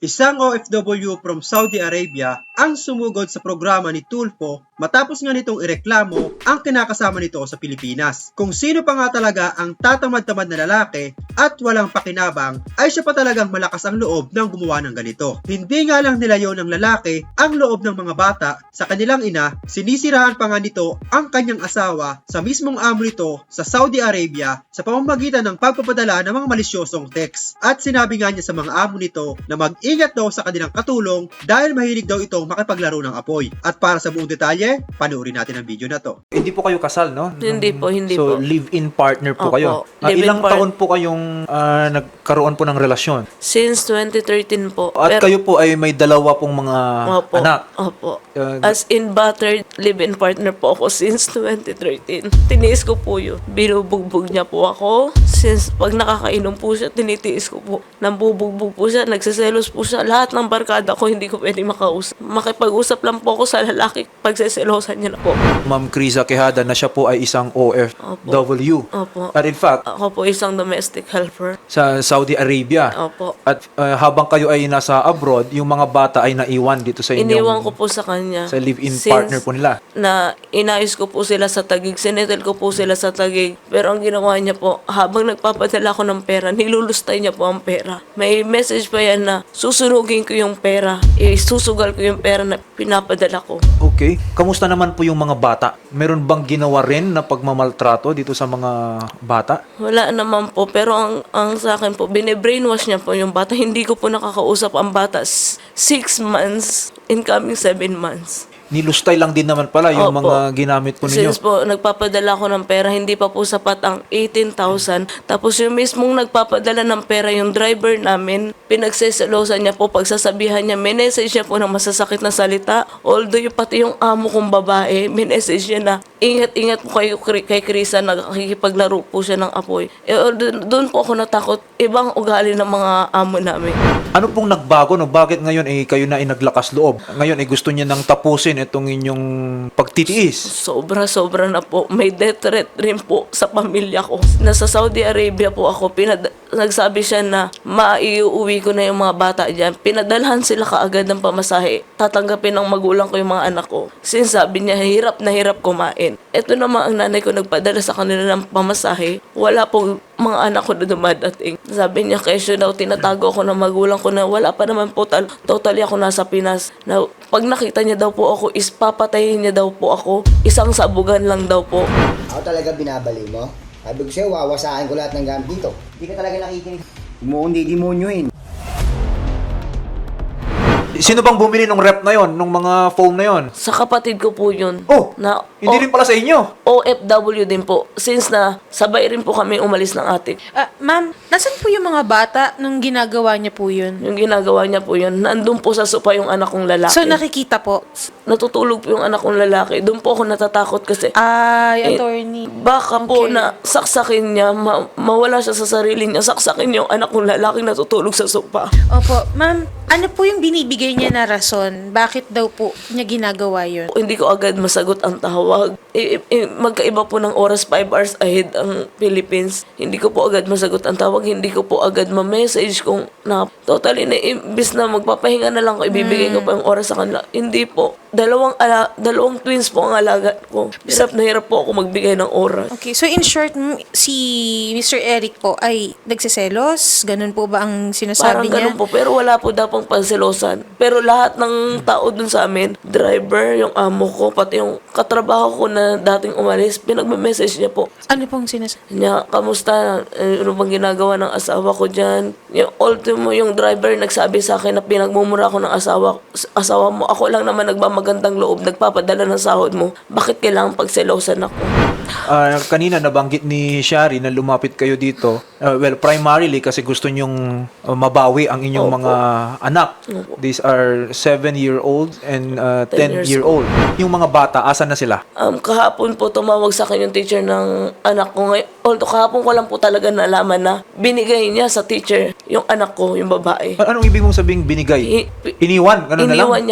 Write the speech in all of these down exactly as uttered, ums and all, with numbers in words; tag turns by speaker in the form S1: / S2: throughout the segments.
S1: Isang O F W from Saudi Arabia ang sumugod sa programa ni Tulfo matapos nga nitong ireklamo ang kinakasama nito sa Pilipinas. Kung sino pa nga talaga ang tatamad-tamad na lalaki at walang pakinabang ay siya pa talagang malakas ang loob ng gumawa ng ganito. Hindi nga lang nilayo ng lalaki ang loob ng mga bata sa kanilang ina, sinisirahan pa nga nito ang kanyang asawa sa mismong amo nito sa Saudi Arabia sa pamamagitan ng pagpapadala ng mga malisyosong text. At sinabi nga niya sa mga amo nito na mag-ingat daw sa kanilang katulong dahil mahilig daw itong makipaglaro ng apoy. At para sa buong detalye, panoorin natin ang video na to.
S2: Hindi po kayo kasal, no?
S3: Hindi po, hindi
S2: so,
S3: po.
S2: live-in partner po
S3: Opo,
S2: kayo. Ah,
S3: live-in
S2: ilang
S3: part-
S2: taon po kayong ah, nagkaroon po ng relasyon?
S3: Since twenty thirteen po.
S2: At
S3: Pero-
S2: kayo po ay may dalawa pong mga
S3: Opo,
S2: anak.
S3: Opo.
S2: Uh,
S3: As in battered live-in partner po ako since twenty thirteen. Tiniis ko po yun. Binubugbog niya po ako. Since pag nakakainom po siya, tinitiis ko po. Nambubugbog po siya, nagsiselos po siya. Lahat ng barkada ko hindi ko pwede makausap. Makipag-usap lang po ako sa lalaki pagseselosan niya na po.
S2: Ma'am Criza Quijada na siya po ay isang O F W.
S3: Opo.
S2: At in fact,
S3: Ako po isang domestic helper.
S2: sa Saudi Arabia.
S3: Opo.
S2: At uh, habang kayo ay nasa abroad, yung mga bata ay naiwan dito sa inyong
S3: Iniwan ko po sa kanya.
S2: sa live-in
S3: Since
S2: partner po nila.
S3: Na inayos ko po sila sa Taguig. Sinetel ko po sila sa Taguig. Pero ang ginawa niya po, habang nagpapadala ko ng pera, nilulustay niya po ang pera. May message pa yan na susunugin ko yung pera. Isusugal ko yung pera na pinapadala ko.
S2: Okay. Kamusta naman po yung mga bata? Meron bang ginawa rin na pagmamaltrato dito sa mga bata?
S3: Wala naman po. Pero ang, ang sa akin po, bine-brainwash niya po yung bata. Hindi ko po nakakausap ang bata. S- Six months, incoming seven months.
S2: Nilustay lang din naman pala yung
S3: Opo.
S2: mga ginamit po ninyo.
S3: Since po, nagpapadala ko ng pera, hindi pa po sapat ang eighteen thousand. Tapos yung mismong nagpapadala ng pera, yung driver namin, pinagseselosan niya po, pagsasabihan niya, minessage niya po ng masasakit na salita. Although yung pati yung amo kong babae, minessage niya na, ingat-ingat po kayo kay kay Krisa, nagkikipaglaro po siya ng apoy. Eh, doon po ako natakot, ibang ugali ng mga amo namin.
S2: Ano pong nagbago, no? Bakit ngayon eh, kayo na ay naglakas loob? Ngayon eh, gusto niya nang tapusin itong inyong pagtitiis.
S3: Sobra-sobra na po. May death threat rin po sa pamilya ko. Nasa Saudi Arabia po ako. Pinad- nagsabi siya na maiuwi ko na yung mga bata dyan. Pinadalhan sila kaagad ng pamasahe. Tatanggapin ng magulang ko yung mga anak ko. Since sabi niya, hirap na hirap kumain. Ito naman ang nanay ko nagpadala sa kanila ng pamasahe. Wala po mga anak ko na dumadating. Sabi niya, kesyo daw, tinatago ako ng magulang ko na wala pa naman po, tal- totally ako nasa Pinas. Na pag nakita niya daw po ako, is papatayin niya daw po ako. Isang sabugan lang daw po.
S4: Ako talaga binabali mo. Sabi ko sa'yo, wawasakin ko lahat ng gamit dito. Hindi ka talaga nakikinig. Mo hindi demonyohin.
S2: Sino bang bumili ng rep na yon, nung mga foam na yon?
S3: Sa kapatid ko po yun.
S2: Oh,
S3: Na
S2: hindi
S3: O-
S2: rin pala sa inyo.
S3: O F W din po. Since na sabay rin po kami umalis ng atik.
S5: Ah, ma'am, nasan po yung mga bata nung ginagawa niya po yun?
S3: Yung ginagawa niya po yun, nandun po sa sopa yung anak kong lalaki.
S5: So, nakikita po.
S3: Natutulog po yung anak kong lalaki. Doon po ako natatakot kasi
S5: Ay,
S3: Eh,
S5: attorney.
S3: baka po
S5: Okay.
S3: na saksakin niya, ma- mawala siya sa sarili niya, saksakin yung anak kong lalaki natutulog sa sopa.
S5: Opo, ma'am, ano po yung binibigay niya na rason? Bakit daw po niya ginagawa yun?
S3: Hindi ko agad masagot ang tawag. I- i- magkaiba po ng oras, five hours ahead ang Philippines. Hindi ko po agad masagot ang tawag. Hindi ko po agad ma-message kung na totally na imbis na magpapahinga na lang ko, ibibigay ko pa yung oras sa kanila. Hindi po. Dalawang, ala, dalawang twins po ang alaga ko. Hirap na hirap po ako magbigay ng oras.
S5: Okay, so in short, m- si Mister Eric po ay nagsiselos? Ganun po ba ang
S3: Parang
S5: sinasabi niya?
S3: ganun po, pero wala po daw pong panselosan. Pero lahat ng tao dun sa amin, driver, yung amo ko, pati yung katrabaho ko na dating umalis, pinagme-message niya po.
S5: Ano pong sinasabi?
S3: Niya, kamusta? Eh, Ano bang ginagawa ng asawa ko dyan? Yung ultimo, yung driver nagsabi sa akin na pinagmumura ko ng asawa, asawa mo. Ako lang naman nagmamagandang loob, nagpapadala ng sahod mo. Bakit kailangan pagselosan ako?
S2: Ah, kanina nabanggit ni Shari na lumapit kayo dito. Ah, well, primarily kasi gusto nyong ah, mabawi ang inyong
S3: Opo.
S2: mga anak.
S3: Opo.
S2: These are seven-year-old and uh,
S3: Ten years
S2: ten-year-old. Yung mga bata, asan na sila?
S3: Um, kahapon po tumawag sa akin yung teacher ng anak ko ngayon. Although kahapon ko lang po talaga nalaman na binigay niya sa teacher yung anak ko, yung babae.
S2: A- Anong ibig mong sabing binigay?
S3: I-
S2: Iniwan? Ganun na lang?
S3: Iniwan niya po.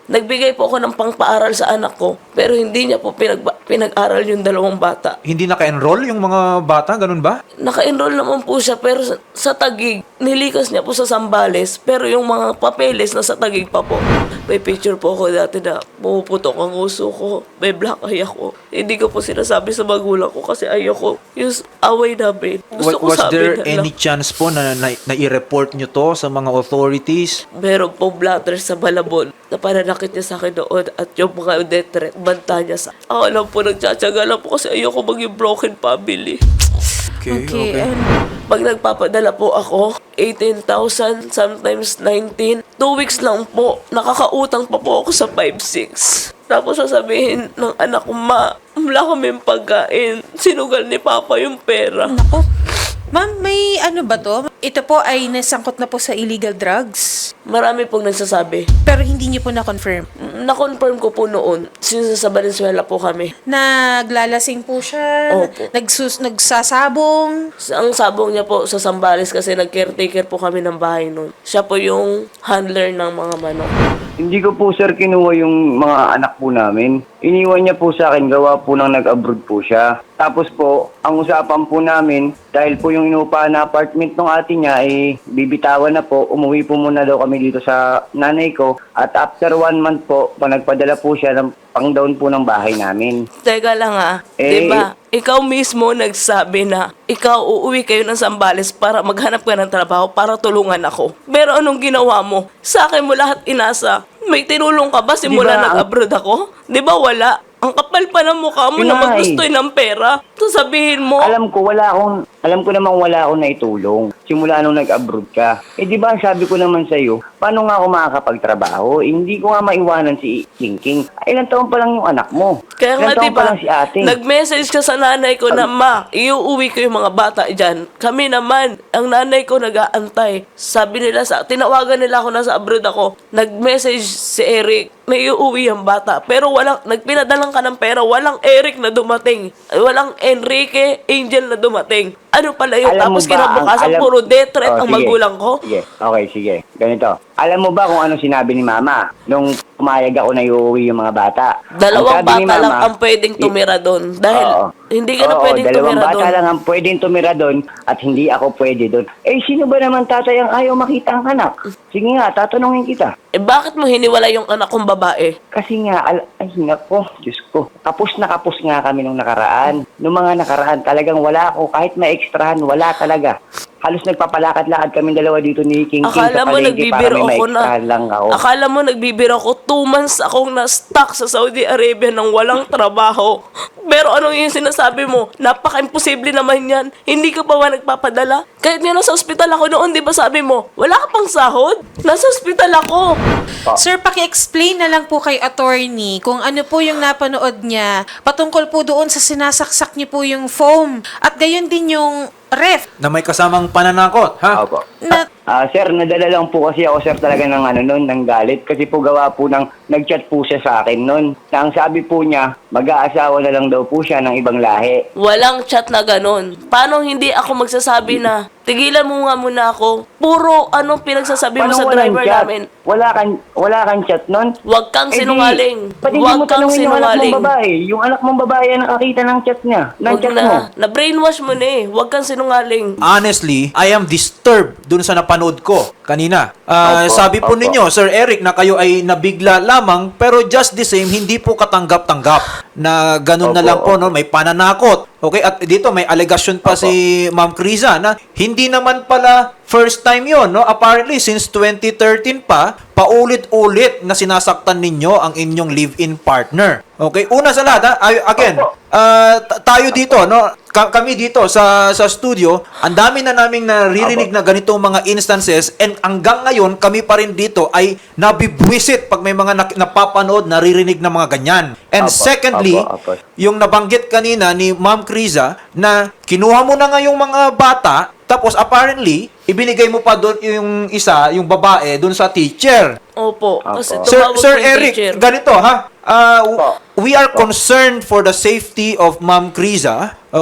S3: Nagbigay po ako ng pangpaaral sa anak ko, pero hindi niya po pinag pinag-aral yung dalawang bata.
S2: Hindi naka-enroll yung mga bata, ganun ba?
S3: Naka-enroll naman po siya, pero sa, sa Taguig, nilikas niya po sa Zambales, pero yung mga papeles na sa Taguig pa po. May picture po ako dati na pumuputok ang uso ko, may black eye ako. Hindi ko po sinasabi sa magulang ko kasi ayoko yung away namin. Gusto ko
S2: Was
S3: sabi
S2: there
S3: na
S2: any
S3: lang.
S2: chance po na, na, na i-report nyo to sa mga authorities?
S3: Meron pong blatter sa Malabon na pananakit niya sa akin noon at yung mga death threat, banta niya sa... Ako lang po nagtsatsaga lang po kasi ayoko maging broken family.
S2: Okay,
S5: Okay. and-
S3: Pag nagpapadala po ako, eighteen thousand, sometimes nineteen. Two weeks lang po, nakakautang pa po ako sa five six. Tapos sasabihin ng anak ko, ma, wala kaming pagkain. Sinugal ni Papa yung pera.
S5: Nako. Ma'am, may ano ba to? Ito po ay nasangkot na po sa illegal drugs.
S3: Marami pong nagsasabi.
S5: Pero hindi niyo po na-confirm.
S3: Na-confirm ko po noon, since sa Valenzuela po kami.
S5: Naglalasing po siya.
S3: Opo.
S5: Nagsus nagsasabong.
S3: Ang sabong niya po sa Zambales kasi nag-caretaker po kami ng bahay noon. Siya po yung handler ng mga manok.
S6: Hindi ko po sir kinuha yung mga anak po namin. Iniwan niya po sa akin, gawa po nang nag-abroad po siya. Tapos po, ang usapan po namin, dahil po yung inuupahan na apartment ng ate niya, eh, bibitawan na po. Umuwi po muna daw kami dito sa nanay ko. At after one month po, pa nagpadala po siya ng pang-down po ng bahay namin.
S3: Teka lang ah,
S6: Eh,
S3: di ba? Ikaw mismo nagsabi na ikaw uuwi kayo ng Zambales para maghanap ka ng trabaho para tulungan ako. Pero anong ginawa mo? Sa akin mo lahat inasa. May tinulong ka ba simula
S6: Di ba,
S3: nag-abroad ako? Di ba wala? Ang kapal pa ng mukha mo
S6: Yun
S3: na
S6: na nga
S3: maggustoy ng pera. Sasabihin mo,
S6: Alam ko, wala akong, alam ko namang wala akong naitulong. Simula nung nag-abroad ka. Eh di ba, sabi ko naman sa'yo, paano nga ako makakapagtrabaho? Eh, hindi ko nga maiwanan si King King. Ay, ilang taon pa lang yung anak mo.
S3: kaya nga
S6: Ilang taon
S3: di
S6: pa
S3: ba,
S6: lang si ate.
S3: nag-message ka sa nanay ko na, ma, iuuwi ko yung mga bata dyan. Kami naman, ang nanay ko nag-aantay. Sabi nila, sa tinawagan nila ako na sa abroad ako, nag-message si Eric, may iuwi ang bata. Pero walang, nagpinadalang ka ng pera, walang Eric na dumating. Walang Enrique Angel na dumating. Ano pala yun?
S6: Alam mo
S3: Tapos
S6: ba,
S3: kinabukasan,
S6: ang- alam-
S3: puro death threat
S6: Oh,
S3: ang
S6: sige.
S3: magulang ko.
S6: Sige, okay, sige. Ganito. Alam mo ba kung ano sinabi ni Mama nung pumayag ako na iuwi yung mga bata?
S3: Dalawang
S6: Ang sabi ni
S3: bata lang
S6: Mama,
S3: ang pwedeng
S6: i-
S3: tumira doon. Dahil
S6: Oo.
S3: hindi ka na
S6: Oo,
S3: pwedeng
S6: dalawang
S3: tumira
S6: bata
S3: doon.
S6: lang ang pwedeng tumira doon at hindi ako pwede doon. Eh, sino ba naman tatay ang ayaw makita ang anak? Sige nga, tatanungin kita.
S3: Eh bakit mo hiniwala yung anak kong babae?
S6: Kasi nga, al- ay nako, Diyos ko. Kapos na kapos nga kami nung nakaraan. Nung mga nakaraan, talagang wala ako. Kahit may ekstrahan, wala talaga. Halos nagpapalakad-lakad kami dalawa dito ni King King
S3: Akala
S6: sa
S3: mo
S6: palengke para
S3: nagbibiro
S6: may
S3: ako na
S6: ma-extrahan lang ako.
S3: Akala mo nagbibiro ako two months akong na-stuck sa Saudi Arabia nang walang trabaho. Pero anong yung sinasabi mo? Napaka-imposible naman yan. Hindi ka pa ba nagpapadala? Kahit nga nasa ospital ako noon, di ba sabi mo, wala ka pang sahod? Nasa ospital ako.
S5: Sir, paki-explain na lang po kay attorney kung ano po yung napanood niya patungkol po doon sa sinasaksak niyo po yung foam at gayon din yung ref
S2: Na may kasamang pananakot, ha?
S6: Opo.
S5: na
S6: Ah, sir, nadala lang po kasi ako, sir, talaga ng ano nun, ng galit. Kasi po gawa po ng, nag-chat po siya sa akin nun. Na ang sabi po niya, mag-aasawa na lang daw po siya ng ibang lahi.
S3: Walang chat na ganun. Paano hindi ako magsasabi na, tigilan mo nga muna ako. Puro anong pinagsasabi mo sa
S6: walang
S3: driver
S6: chat?
S3: namin.
S6: Wala kang, wala kang chat nun?
S3: Huwag kang
S6: Eh di,
S3: sinungaling.
S6: ba't hindi
S3: Huwag
S6: mo
S3: kang
S6: tanungin yung anak
S3: sinungaling.
S6: mong babae? Yung anak mong babae ang nakakita ng chat niya. Ng
S3: Huwag
S6: chat
S3: na.
S6: mo.
S3: Na-brainwash mo na eh. Huwag kang sinungaling.
S2: Honestly, I am disturbed dun sa napanood ko kanina. Ah,
S6: Opo,
S2: sabi po
S6: opo.
S2: ninyo, Sir Eric, na kayo ay nabigla lamang, pero just the same, hindi po katanggap-tanggap na ganun na
S6: Opo,
S2: lang po,
S6: opo.
S2: no? May pananakot. Okay, at dito may allegation pa
S6: Opo.
S2: si Ma'am Criza na hindi naman pala first time yon, no? Apparently, since twenty thirteen pa, paulit-ulit na sinasaktan ninyo ang inyong live-in partner. Okay, una sa lahat, ha? Ay- again,
S6: Opo.
S2: ah, t- tayo dito, no? Ka- kami dito sa sa studio, ang dami na naming naririnig na ganitong mga instances, and hanggang ngayon kami pa rin dito ay nabibwisit pag may mga nak- napapanood, naririnig na mga ganyan. And
S6: Opo,
S2: secondly,
S6: opo, opo.
S2: yung nabanggit kanina ni Ma'am Criza na kinuha mo na nga yung mga bata, tapos apparently, ibinigay mo pa doon yung isa, yung babae, doon sa teacher.
S3: Opo.
S6: Opo.
S3: Kasi
S2: Sir,
S3: tumawag
S2: Sir
S3: po yung
S2: Eric,
S3: teacher.
S2: ganito ha. Ah, w-
S6: Opo.
S2: we are concerned for the safety of Ma'am Criza, okay?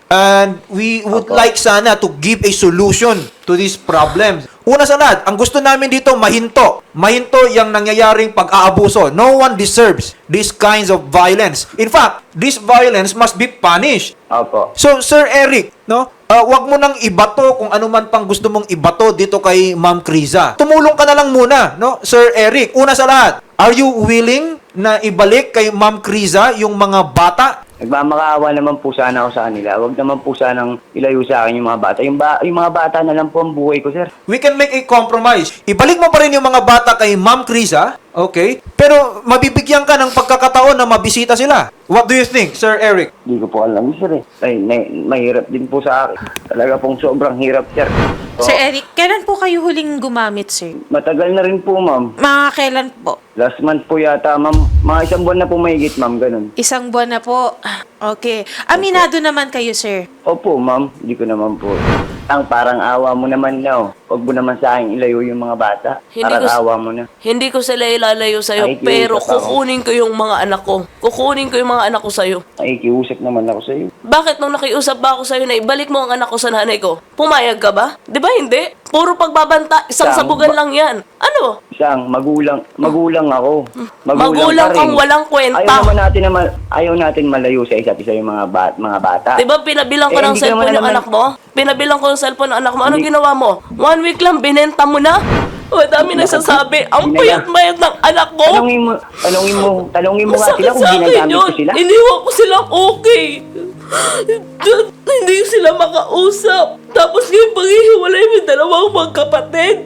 S2: And we would
S6: Opo.
S2: like sana to give a solution to these problems. Una sa lahat, ang gusto namin dito mahinto. Mahinto yung nangyayaring pag-aabuso. No one deserves these kinds of violence. In fact, this violence must be punished.
S6: Opo.
S2: So, Sir Eric, no? Uh, wag mo nang ibato kung ano man pang gusto mong ibato dito kay Ma'am Criza. Tumulong ka na lang muna, no? Sir Eric, una sa lahat, are you willing na ibalik kay Ma'am Criza yung mga bata?
S6: Nagmamakaawa naman po sana ako sa kanila. Huwag naman po sanang ilayo sa akin yung mga bata. Yung, ba- yung mga bata na lang po ang buhay ko, sir.
S2: We can make a compromise. Ibalik mo pa rin yung mga bata kay Ma'am Criza, okay? Pero mabibigyan ka ng pagkakataon na mabisita sila. What do you think, Sir Eric?
S6: Hindi ko po alam, sir. Eh. Ay, na- mahirap din po sa akin. Talaga pong sobrang hirap, sir. So,
S5: Sir Eric, kailan po kayo huling gumamit, sir?
S6: matagal na rin po, ma'am.
S5: Mga kailan po?
S6: Last month po yata, ma'am. Mga isang buwan na po mahigit, ma'am. Ganun.
S5: Isang buwan na po. Okay. Aminado naman kayo, sir.
S6: Opo, ma'am. Hindi ko naman po. Ang parang awa mo naman na, oh. Huwag mo naman sa akin ilayo yung mga bata.
S3: Hindi
S6: Parang
S3: ko s-
S6: awa mo na.
S3: Hindi ko sila ilalayo sa'yo,
S6: Ay,
S3: pero
S6: kiusap ako.
S3: kukunin ko yung mga anak ko. Kukunin ko yung mga anak ko sa'yo.
S6: Nakikiusap naman ako sa iyo.
S3: Bakit nung nakiusap ba ako sa'yo na ibalik mo ang anak ko sa nanay ko? Pumayag ka ba? Di ba hindi? Puro pagbabanta, isang
S6: Saan
S3: sabugan
S6: ba-
S3: lang yan. Ano?
S6: Isang magulang, magulang ako.
S3: Magulang
S6: pa rin.
S3: kang walang kwenta.
S6: Ayaw naman natin na ma- ayaw natin malayo sa isa't isa yung mga bat, mga bata.
S3: Di ba pinabilang ko
S6: Eh,
S3: ng
S6: hindi ka
S3: cellphone
S6: naman
S3: yung
S6: naman-
S3: anak mo? Pinabilang ko ng cellphone ng anak mo. Anong
S6: Hindi-
S3: ginawa mo? One week lang, binenta mo na? O, dami nagsasabi. Ang
S6: Hindi na-
S3: payat-mayat ng anak ko.
S6: Tanungin mo, tanungin mo, tanungin mo nga
S3: Masakit
S6: sila kung
S3: sa akin
S6: ginagamit ko
S3: yun.
S6: sila.
S3: Iniwan ko silang okay. Dun, hindi sila makausap. Tapos ngayon paghihiwalay mo yung dalawang magkapatid.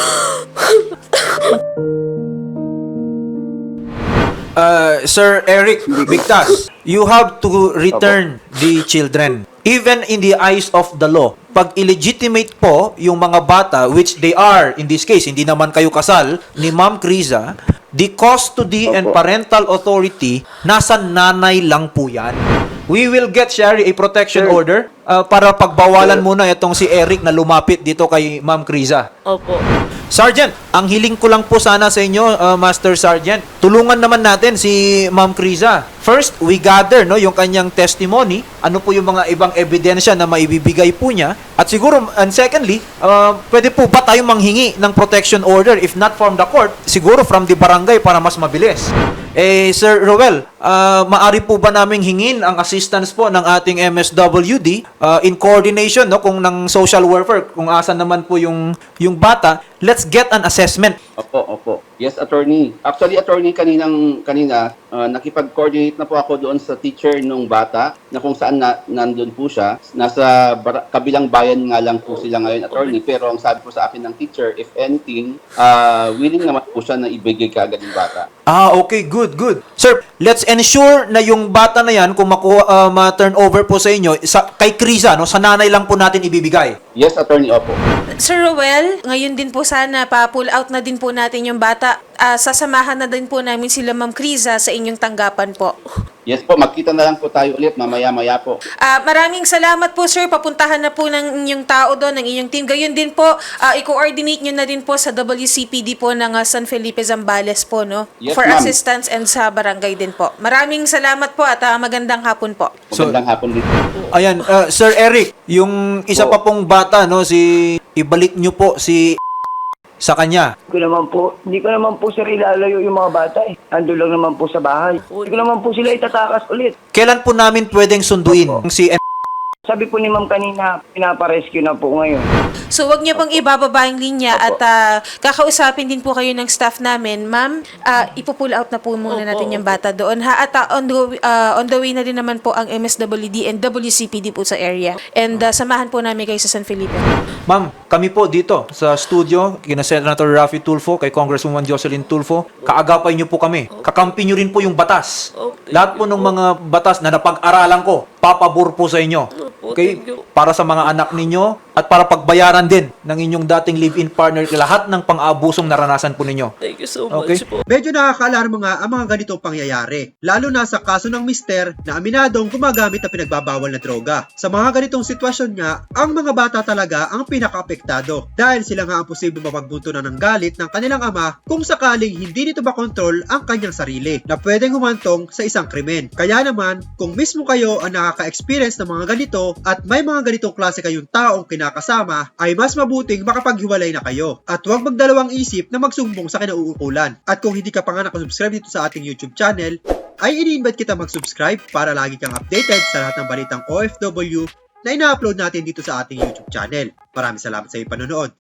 S2: Uh, Sir Eric Victas, you have to return the children. Even in the eyes of the law, pag illegitimate po yung mga bata, which they are, in this case, hindi naman kayo kasal, ni Ma'am Criza, the custody and
S6: Opo.
S2: parental authority, nasa nanay lang po yan. We will get, Sherry, a protection
S6: Sir.
S2: order uh, para pagbawalan
S6: Sir.
S2: muna itong si Eric na lumapit dito kay Ma'am Criza.
S3: Opo.
S2: Sergeant, ang hiling ko lang po sana sa inyo, uh, Master Sergeant, tulungan naman natin si Ma'am Criza. First, we gather no, yung kanyang testimony, ano po yung mga ibang ebidensya na maibibigay po niya. At siguro, and secondly, uh, pwede po ba tayo manghingi ng protection order, if not from the court, siguro from the barangay para mas mabilis. Eh, Sir Roel, uh, maari po ba naming hingin ang assistance po ng ating M S W D uh, in coordination no, kung ng social welfare, kung asan naman po yung, yung bata, let's get an assessment.
S7: Opo, opo. Yes, attorney. Actually, attorney, kaninang, kanina, uh, nakipag-coordinate na po ako doon sa teacher nung bata na kung saan na, nandun po siya. Nasa bar- kabilang bayan nga lang po sila ngayon, attorney. Pero ang sabi po sa akin ng teacher, if anything, uh, willing naman po siya na ibigay kaagad yung bata.
S2: Ah, okay, good, good. Sir, let's ensure na yung bata na yan, kung makuha, uh, ma-turn over po sa inyo, sa, kay Criza, no, sa nanay lang po natin ibibigay.
S7: Yes, attorney, opo.
S5: Sir Roel, ngayon din po sana pa-pull out na din po natin yung bata. Ah, sasamahan na din po namin sila Ma'am Criza sa inyong tanggapan po.
S7: Yes po, magkita na lang po tayo ulit mamaya-maya po.
S5: Ah, maraming salamat po, sir. Papuntahan na po ng inyong tao doon, ng inyong team. Gayon din po, ah, i-coordinate nyo na din po sa W C P D po ng ah, San Felipe Zambales po, no?
S7: Yes,
S5: For
S7: ma'am.
S5: assistance and sa barangay din po. Maraming salamat po at ah, magandang hapon po.
S2: So-
S7: Magandang hapon din.
S2: Ayan, uh, Sir Eric, yung isa pa pong bata, no, si, ibalik nyo po si sa kanya.
S6: Hindi ko naman po, hindi ko naman po sir ilalayo yung mga bata eh. Ando lang naman po sa bahay. Hindi ko naman po sila itatakas ulit.
S2: Kailan po namin pwedeng sunduin si
S6: Sabi po ni ma'am kanina, pinaparescue na po ngayon.
S5: So, wag niyo pong ibababa yung linya at ah, kakausapin din po kayo ng staff namin. Ma'am, ah, ipo-pull out na po muna
S3: Opo,
S5: natin yung bata doon. Ha? At ah, on, the, ah, on the way na din naman po ang M S W D and W C P D po sa area. And ah, samahan po namin kayo sa San Felipe.
S2: Ma'am, kami po dito sa studio, kina Senator Raffy Tulfo, kay Congresswoman Jocelyn Tulfo, kaagapay niyo po kami. Kakampi niyo rin po yung batas.
S3: Oh, thank
S2: Lahat po ng mga batas na napag-aralan ko, papabor po sa inyo.
S3: Opo,
S2: Okay?
S3: thank you.
S2: Para sa mga anak ninyo at para pagbayaran din ng inyong dating live-in partner lahat ng pang-abusong naranasan po ninyo.
S3: Thank you so
S2: Okay.
S3: much po.
S1: Medyo nakakaalarma nga ang mga ganitong pangyayari, lalo na sa kaso ng mister na aminadong gumagamit ng pinagbabawal na droga. Sa mga ganitong sitwasyon nga, ang mga bata talaga ang pinaka-apektado dahil sila nga ang posibleng mapagbuntunan ng galit ng kanilang ama kung sakaling hindi nito makontrol ang kanyang sarili na pwedeng humantong sa isang krimen. Kaya naman, kung mismo kayo ang nakaka-experience ng mga ganito, at may mga ganitong klase kayong taong kinakasama, ay mas mabuting makapaghiwalay na kayo. At huwag magdalawang isip na magsumbong sa kinauukulan. At kung hindi ka pa nga nakasubscribe dito sa ating YouTube channel, ay ini-invite kita mag-subscribe para lagi kang updated sa lahat ng balitang O F W na ina-upload natin dito sa ating YouTube channel. Maraming salamat sa iyong panonood.